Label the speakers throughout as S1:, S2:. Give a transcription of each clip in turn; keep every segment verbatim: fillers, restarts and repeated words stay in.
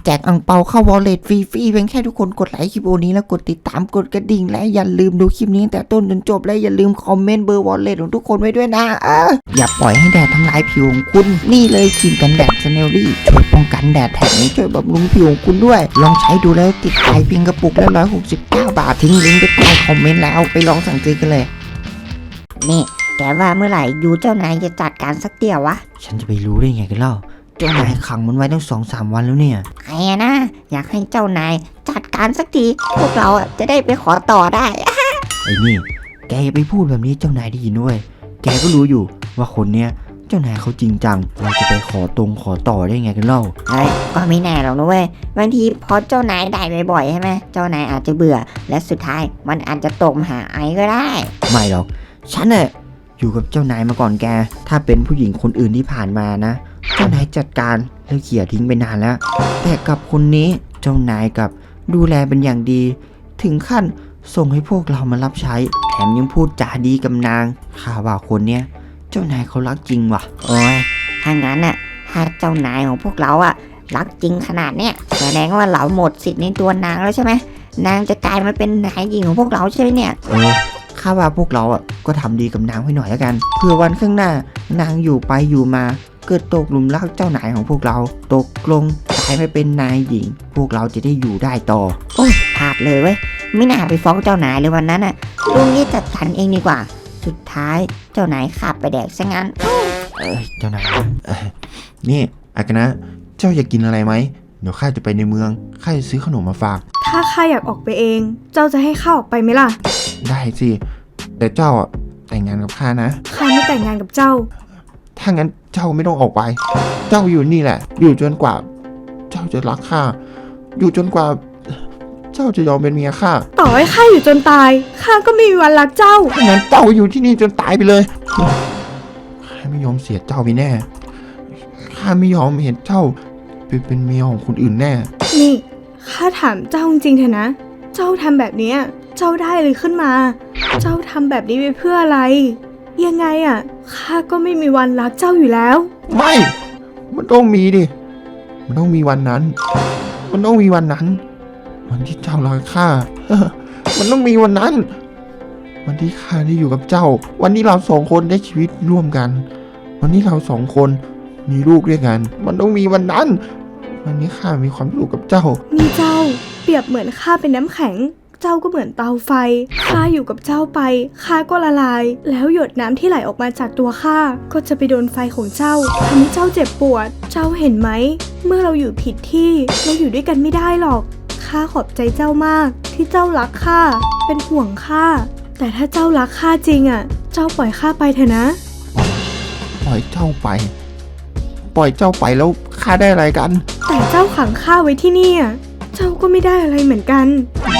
S1: แจกอั่งเปาเข้าวอลเล็ตฟรีๆเพียงแค่ทุกคนกดไลค์คลิปนี้แล้วกดติดตามกดกระดิ่งและอย่าลืมดูคลิปนี้แต่ต้นจนจบและอย่าลืมคอมเมนต์เบอร์วอลเล็ตของทุกคนไว้ด้วยนะเอออย่าปล่อยให้แดดทำลายผิวของคุณนี่เลยครีมกันแดดสเนลลี่ช่วยป้องกันแดดแถมช่วยบำรุงผิวของคุณด้วยลองใช้ดูแล้วติดใจเพียงกระปุกละร้อยหกสิบเก้าบาททิ้งลิงก์ไปใต้คอมเมนต์แล้วไปลองสั่งซื้อกันเลย
S2: นี่แกว่าเมื่อไหร่ยูเจ้านายจะจัดการสักเตี่ยววะ
S1: ฉันจะไปรู้ได้ไงกันเล่าเจ้านายขังมันไว้ตั้งสองสามวันแล้วเนี่ย
S2: ใครนะอยากให้เจ้านายจัดการสักทีพวกเราจะได้ไปขอต่อได้
S1: ไอ้นี่แกอย่าไปพูดแบบนี้เจ้านายได้ยินด้วยแกก็รู้อยู่ว่าคนเนี้ยเจ้านายเขาจริงจังเราจะไปขอตรงขอต่อได้ไงกันเล่า
S2: เอ้ยก็ไม่แน่หรอกนะเว้ยบางทีพอเจ้านายได้บ่อยๆใช่ไหมเจ้านายอาจจะเบื่อและสุดท้ายมันอาจจะตกหาไอ้ก็ได้
S1: ไม่หรอกฉันน่ะอยู่กับเจ้านายมาก่อนแกถ้าเป็นผู้หญิงคนอื่นที่ผ่านมานะเจ้านายจัดการแล้วเขี่ยทิ้งไปนานแล้วแต่กับคนนี้เจ้านายกับดูแลเป็นอย่างดีถึงขั้นส่งให้พวกเรามารับใช้แถมยังพูดจาดีกับนางข้าว่าคนเนี้ยเจ้านายเขารักจริงว่ะ
S2: โอ้ยถ้างั้นน่ะถ้าเจ้านายของพวกเราอะรักจริงขนาดเนี้ยแสดงว่าเราหมดสิทธิ์ในตัวนางแล้วใช่ไหมนางจะกลายมาเป็นนายหญิงของพวกเราใช่ไหมเนี่ย
S1: เออข้าว่าพวกเราอ่ะก็ทำดีกับนางไว้หน่อยแล้วกันเพื่อวันข้างหน้านางอยู่ไปอยู่มาเกิดตกหลุมรักเจ้านายของพวกเราตกลงกลายไปเป็นนายหญิงพวกเราจะได้อยู่ได้ต่อ
S2: โอ้ยพลาดเลยเว้ยไม่น่าไปฟ้องเจ้านายเลยวันนั้นอ่ะลุงนี่จัดการเองดีกว่าสุดท้ายเจ้านายขับไปแดกซะงั้น
S1: เออเจ้านายเออนี่อากานะเจ้าอยากกินอะไรไหมเดี๋ยวข้าจะไปในเมืองข้าจะซื้อขนมมาฝาก
S3: ถ้าข้าอยากออกไปเองเจ้าจะให้ข้าออกไปไหมล่ะ
S1: ได้สิแต่เจ้าแต่งงานกับข้านะ
S3: ข้าไม่แต่งงานกับเจ้า
S1: ถ้างั้นเจ้าไม่ต้องออกไปเจ้าอยู่นี่แหละอยู่จนกว่าเจ้าจะรักข้าอยู่จนกว่าเจ้าจะยอมเป็นเมียข้า
S3: ต่อให้ข้าอยู่จนตายข้าก็ไม่มีวันรักเจ้า
S1: ถ้างั้นเจ้าอยู่ที่นี่จนตายไปเลยข้าไม่ยอมเสียเจ้าไปแน่ข้าไม่ยอมเห็นเจ้าเป็นเป็นเมียของคนอื่นแน่
S3: นี่ข้าถามเจ้าจริงๆเถอะนะเจ้าทำแบบนี้เจ้าได้เลยขึ้นมาเจ้าทำแบบนี้ไปเพื่ออะไรยังไงอ่ะข้าก็ไม่มีวันรักเจ้าอยู่แล้ว
S1: ไม่มันต้องมีดิมันต้องมีวันนั้นมันต้องมีวันนั้นวันที่เจ้ารักข้ามันต้องมีวันนั้นวันที่ข้าได้อยู่กับเจ้าวันนี้เราสองคนได้ชีวิตร่วมกันวันนี้เราสองคนมีลูกด้วยกันมันต้องมีวันนั้นวันนี้ข้ามีความสุขกับเจ้า
S3: มีเจ้าเปรียบเหมือนข้าเป็นน้ำแข็งเจ้าก็เหมือนเตาไฟข้าอยู่กับเจ้าไปข้าก็ละลายแล้วหยดน้ำที่ไหลออกมาจากตัวข้าก็จะไปโดนไฟของเจ้าทำให้เจ้าเจ็บปวดเจ้าเห็นไหมเมื่อเราอยู่ผิดที่เราอยู่ด้วยกันไม่ได้หรอกข้าขอบใจเจ้ามากที่เจ้ารักข้าเป็นห่วงข้าแต่ถ้าเจ้ารักข้าจริงอ่ะเจ้าปล่อยข้าไปเถอะนะ
S1: ปล่อยเจ้าไปปล่อยเจ้าไปแล้วข้าได้อะไรกัน
S3: แต่เจ้าขังข้าไว้ที่นี่อ่ะเจ้าก็ไม่ได้อะไรเหมือนกัน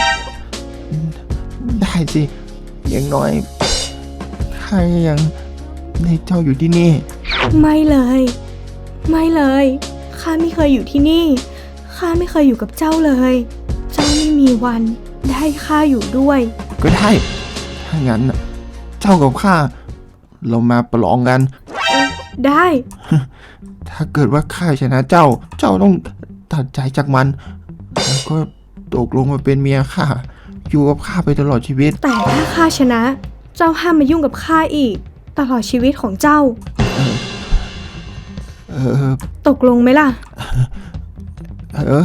S1: ได้สิอย่างน้อยข้ายังให้เจ้าอยู่ที่นี่
S3: ไม่เลยไม่เลยข้าไม่เคยอยู่ที่นี่ข้าไม่เคยอยู่กับเจ้าเลยเจ้าไม่มีวันได้ข้าอยู่ด้วย
S1: ก็ได้ถ้างั้นเจ้ากับข้าเรามาประลองกัน
S3: ได้
S1: ถ้าเกิดว่าข้าชนะเจ้าเจ้าต้องตัดใจจากมันแล้วก็ตกลงมาเป็นเมียข้าอยู่กับข้าไปตลอดชีวิต
S3: แต่ถ้าข้าชนะเจ้าห้ามมายุ่งกับข้าอีกตลอดชีวิตของเจ้าเออเออตกลงไหมล่ะ
S1: เออ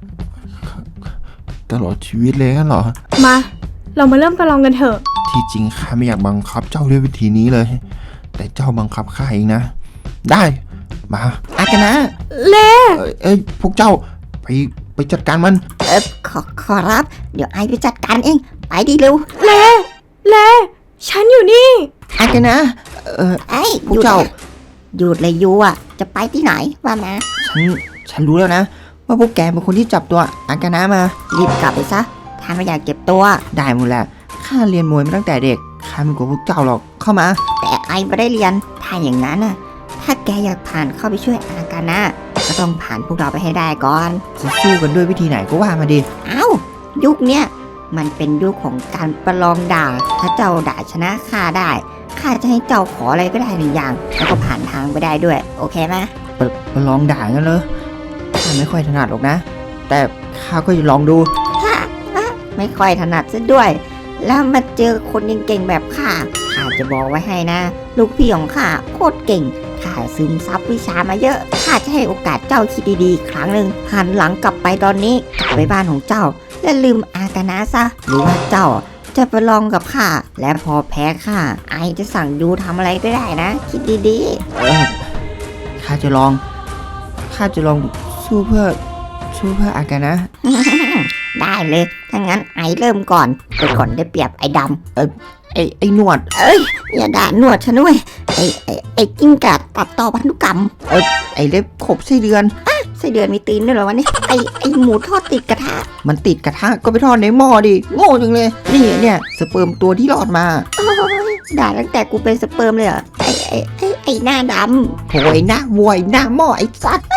S1: ตลอดชีวิตเลยงั้นเหรอ
S3: มาเรามาเริ่มประลองกันเถอะ
S1: ที่จริงข้าไม่อยากบังคับเจ้าด้วยวิธีนี้เลยแต่เจ้าบังคับข้าเองนะได้มา
S2: อากานะ
S3: เล่
S1: เอ้ยพวกเจ้าไปไปจัดการมัน
S2: เออขอขอรับเดี๋ยวไอไปจัดการเองไปดีเร็ว
S3: เล่เล่ฉันอยู่นี่
S2: อากานะเออไอ
S1: พวกเจ้า
S2: หยุดเลยยูอ่ะจะไปที่ไหนว่ามา
S1: ฉันฉันรู้แล้วนะว่าพวกแกเป็นคนที่จับตัวอากานะมา
S2: รีบกลับไปซะถ้าไม่อยากเก็บตัว
S1: ได้หมดแหละข้าเรียนมวยมาตั้งแต่เด็กข้าไม่กลัวพวกเจ้าหรอกเข้ามา
S2: แต่ไอไม่ได้เรียนถ้าอย่างนั้นน่ะถ้าแกอยากผ่านเข้าไปช่วยอากานะก็ต้องผ่านพวกเราไปให้ได้ก่อน
S1: จะสู้กันด้วยวิธีไหนก็ว่ามาดิ
S2: เอ้ายุคเนี้ยมันเป็นยุคของการประลองด่าถ้าเจ้าด่าชนะข้าได้ข้าจะให้เจ้าขออะไรก็ได้หนึ่งอย่างแล้วก็ผ่านทางไปได้ด้วยโอเคไหม
S1: ประลองด่ากันเลยข้าไม่ค่อยถนัดหรอกนะแต่ข้าก็จะลองดู
S2: ไม่ค่อยถนัดซะด้วย แล้วมาเจอคนเก่งๆแบบข้าข้าจะบอกไว้ให้นะ ลูกพี่ของข้าโคตรเก่งข้าซึมซับวิชามาเยอะข้าจะให้โอกาสเจ้าคิดดีๆอีกครั้งหนึ่งหันหลังกลับไปตอนนี้กลับไปบ้านของเจ้า และลืมอากานะซะหรือว่าเจ้าจะไปลองกับข้าและพอแพ้ข้าไอจะสั่งยูทำอะไรก็ได้นะ คิดดี
S1: เออข้าจะลองข้าจะลองสู้เพื่อสู้เพื่ออากานะ
S2: ๆ ได้เลยถ้างั้นไอเริ่มก่อนไปก่อนได้เปรียบไอดำ
S1: ไอ้ไอ้หนวด
S2: อย่าด่าหนวดฉันด้วยไอไอไอกิ้งก่าตัดต่อพันธุกรรม
S1: ไอ้เล็บขบไส้เดือน
S2: ไส้เดือนมีตีนด้วยเหรอวะเนี่ยไอไอหมูทอดติดกระทะ
S1: มันติดกระทะก็ไปทอดในหม้อดิโง่จังเลยนี่เนี่ยสเปิร์มตัวที่รอดมา
S2: ด่าตั้งแต่กูเป็นสเปิร์มเลยเหรอไอไอไอไอหน้าด
S1: โหยหน้าวัวไอ้หน้าหม้อไอ้สัตว์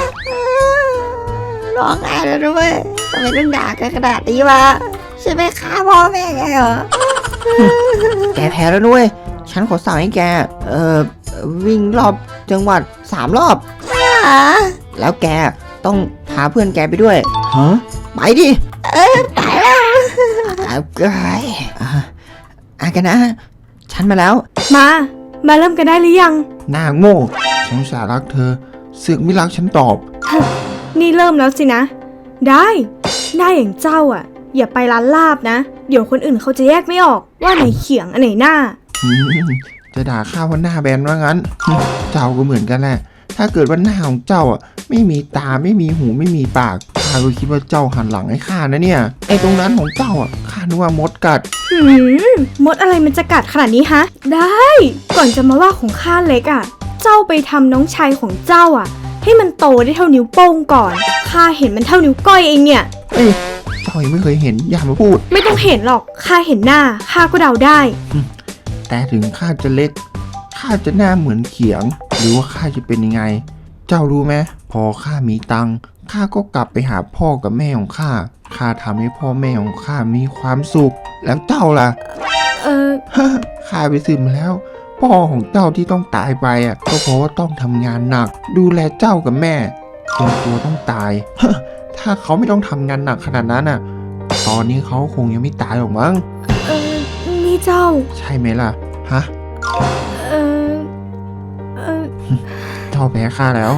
S2: ำร้องไห้แล้วด้วยทำไมต้องด่ากันขนาดนี้วะใช่ไหมฆ่าพ่อแม่ไงเหรอ
S1: แกแพ้แล้วนุ้ยฉันขอสั่งให้แกเอ่อวิ่งรอบจังหวัดสามรอบ
S2: อ่า
S1: แล้วแกต้องพาเพื่อนแกไปด้วยฮะไปดิ
S2: ตายแล้ว
S1: เอาไกยอ่ะอากานะฉันมาแล้ว
S3: มา มาเริ่มกันได้หรือยัง
S4: หน้าโง่ฉันอุตสาห์รักเธอเสือกไม่รักฉันตอบ
S3: นี่เริ่มแล้วสินะ ได้หน้าอย่างเจ้าอ่ะ อย่าไปร้านลาบนะ เดี๋ยวคนอื่นเขาจะแยกไม่ออกว่าไหนเขียงอันไหนหน้า
S4: หืมจะด่าข้าว่าหน้าแบนว่างั้น เจ้าก็เหมือนกันแหละ ถ้าเกิดว่าหน้าของเจ้าอ่ะไม่มีตาไม่มีหูไม่มีปากข้าก็คิดว่าเจ้าหันหลังให้ข้านะเนี่ยไอ้ตรงนั้นของเจ้าอ่ะข้านึกว่ามดกัด
S3: หืมมดอะไรมันจะกัดขนาดนี้ฮะ ได้ ก่อนจะมาว่าของข้าเล็กอ่ะ เจ้าไปทำน้องชายของเจ้าอ่ะ ให้มันโตได้เท่านิ้วโป้งก่อน ข้าเห็นมันเท่านิ้วก้อยเองเนี่ย
S4: เอ้ยเจ้ายังไม่เคยเห็นอย่ามาพูด
S3: ไม่ต้องเห็นหรอก ข้าเห็นหน้า ข้าก็เดาได้
S4: แต่ถึงข้าจะเล็กข้าจะหน้าเหมือนเขียง หรือว่าข้าจะเป็นยังไง เจ้ารู้ไหมพอข้ามีตังค์ข้าก็กลับไปหาพ่อกับแม่ของข้าข้าทำให้พ่อแม่ของข้ามีความสุข แล้วเจ้าล่ะ
S3: เออ
S4: ข้าไปสืบมาแล้ว พ่อของเจ้าที่ต้องตายไปอ่ะก็เพราะว่าต้องทำงานหนัก ดูแลเจ้ากับแม่จนตัวต้องตาย ถ้าเขาไม่ต้องทำงานหนักขนาดนั้นอ่ะ ตอนนี้เขาคงยังไม่ตายหรอกมั้ง
S3: เออ นี่เจ้า
S4: ใช่ไหมล่ะฮะ
S3: เออ เออ
S4: เจ้าแพ้ข้าแล้ว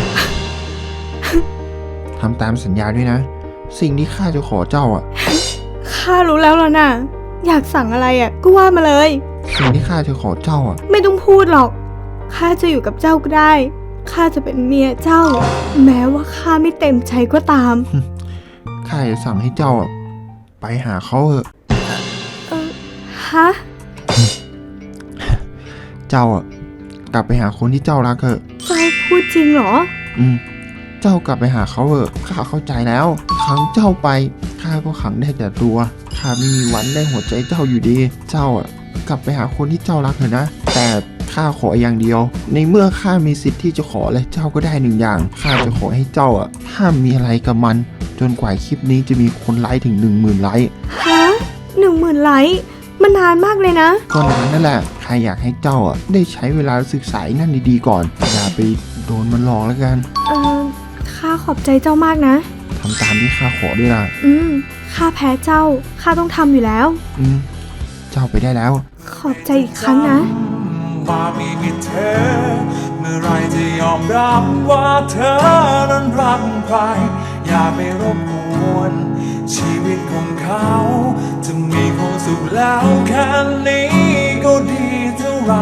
S4: ทำตามสัญญาด้วยนะ สิ่งที่ข้าจะขอเจ้าอ่ะ
S3: ข้ารู้แล้วล่ะน่ะ อยากสั่งอะไรอ่ะ ก็ว่ามาเลย
S4: สิ่งที่ข้าจะขอเจ้าอ่ะ
S3: ไม่ต้องพูดหรอก ข้าจะอยู่กับเจ้าก็ได้ ข้าจะเป็นเมียเจ้า แม้ว่าข้าไม่เต็มใจก็ตาม
S4: ข้าจะสั่งให้เจ้าอ่ะไปหาเขาเถอะ
S3: เออ ฮะ
S4: เจ้าอ่ะกลับไปหาคนที่เจ้ารักเถอะ
S3: เจ้าพูดจริงเหรอ
S4: อืม เจ้ากลับไปหาเขาเถอะข้าเข้าใจแล้วขังเจ้าไปข้าก็ขังได้แต่ตัวข้าไม่มีวันได้หัวใจเจ้าอยู่ดี เจ้าอ่ะกลับไปหาคนที่เจ้ารักเถอะนะ แต่ข้าขออย่างเดียว ในเมื่อข้ามีสิทธิ์ที่จะขอและเจ้าก็ได้หนึ่งอย่างข้าจะขอให้เจ้าอ่ะห้ามมีอะไรกับมัน จนกว่าคลิปนี้จะมีคนไลค์ถึงหนึ่งหมื่นไลค์
S3: ฮะหนึ่งหมื่นไลค์ มันนานมากเลยนะ
S4: ก็นานนั่นแหละข้าอยากให้เจ้าอ่ะได้ใช้เวลาศึกษาไอ้นั่นดีๆก่อนอย่าไปโดนมันหลอกแล้วกัน
S3: เออ ข้าขอบใจเจ้ามากนะ
S4: ทำตามที่ข้าขอด้วยล่ะ
S3: อืม ข้าแพ้เจ้า ข้าต้องทำอยู่แล้ว
S4: อืม เจ้าไปได้แล้ว
S3: ขอบใจอีกครั้งนะ
S5: ว่าไม่มีเธอ เมื่อไรจะยอมรับว่าเธอนั้นรักใคร อย่าไปรบกวนชีวิตของเขา จะมีความสุขแล้วแค่นี้ก็ดีเท่าไหร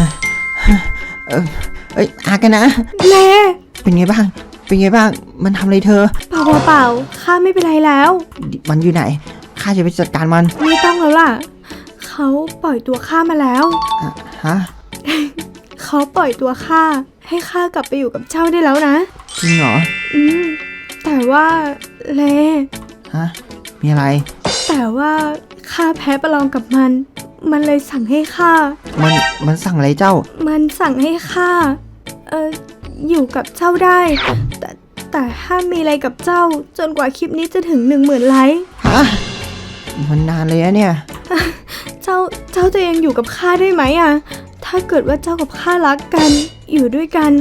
S1: เอ้ยอากานะ
S3: เล่
S1: เป็นไงบ้าง เป็นไงบ้าง มันทำอะไรเธอ
S3: เปล่าเปล่าๆข้าไม่เป็นไรแล้ว
S1: มันอยู่ไหนข้าจะไปจัดการมัน
S3: ไม่ต้องแล้วล่ะ เขาปล่อยตัวข้ามาแล้ว
S1: อ่ะฮะ
S3: เขาปล่อยตัวข้าให้ข้ากลับไปอยู่กับเจ้าได้แล้วนะ
S1: จริงเหรอ
S3: อืม แต่ว่าเล
S1: ฮะมีอะไร
S3: แต่ว่าข้าแพ้ประลองกับมัน มันเลยสั่งให้ข้า
S1: มันมันสั่งอะไรเจ้า
S3: มันสั่งให้ข้า เอออยู่กับเจ้าได้ แต่แต่ห้ามมีอะไรกับเจ้า จนกว่าคลิปนี้จะถึงหนึ่งหมื่นไลค์
S1: ฮะมันนานเลยอะเนี่ย
S3: เจ้า เจ้าจะยังอยู่กับข้าได้ไหมอะถ้าเกิดว่าเจ้ากับข้ารักกัน อยู่ด้วยกัน แต่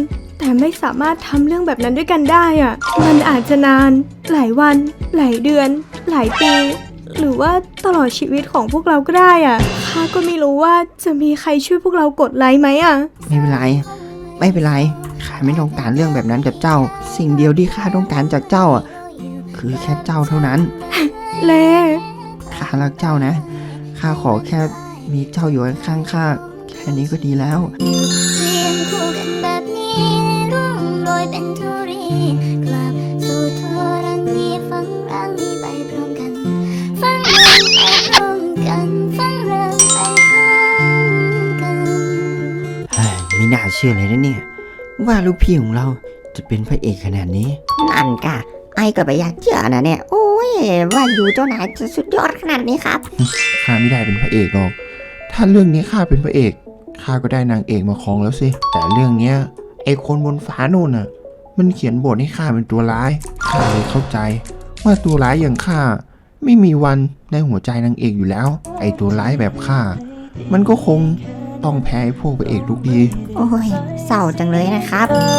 S3: แต่ไม่สามารถทำเรื่องแบบนั้นด้วยกันได้อะมันอาจจะนานหลายวัน หลายเดือน หลายปี หรือว่าตลอดชีวิตของพวกเราก็ได้อะข้าก็ไม่รู้ว่าจะมีใครช่วยพวกเรากดไลค์ไหมอะ
S1: ไม่เป็นไร ไม่เป็นไรข้าไม่ต้องการเรื่องแบบนั้นกับเจ้า สิ่งเดียวที่ข้าต้องการจากเจ้าอ่ะคือแค่เจ้าเท่านั้น
S3: เล
S1: ข้ารักเจ้านะข้าขอแค่มีเจ้าอยู่ข้างๆข้าแค่นี้ก็ดีแล้ว
S6: เรียงคู่กันแบบนี้ร่วงโรยเป็นธุรีกลับสู่ทั่วรังนี้ฟังรังนี้ไปพร้อมกันฟังเรื่องไปพร้อมกันฟังเรื่องไปพร้อมกัน
S1: เฮ้ยไม่น่าเชื่อเลยนะเนี่ยว่าลูกพี่ของเราจะเป็นพระเอกขนาดนี้
S2: นั่นกะไอ้ก็ไปอยากเชื่อนะเนี่ย โอ้ยว่าอยู่เจ้านายจะสุดยอดขนาดนี้ครับ
S4: ข้าไม่ได้เป็นพระเอกหรอก ถ้าเรื่องนี้ข้าเป็นพระเอกข้าก็ได้นางเอกมาครองแล้วสิแต่เรื่องเนี้ยไอคนบนฟ้าโน่นน่ะมันเขียนบทให้ข้าเป็นตัวร้ายข้าเลยเข้าใจ ว่าตัวร้ายอย่างข้าไม่มีวันในหัวใจนางเอกอยู่แล้ว ไอตัวร้ายแบบข้ามันก็คงต้องแพ้ไอ้พวกพระเอกทุกที
S2: โอ้ยเศร้าจังเลยนะครับ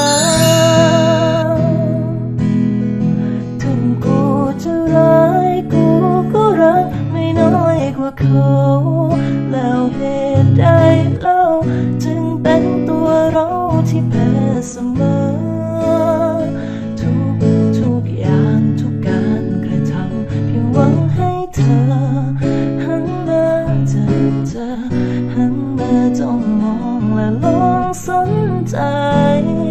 S7: ถึงกูจะร้ายกูก็รักไม่น้อยกว่าเขาแล้วเหตุใดเล่า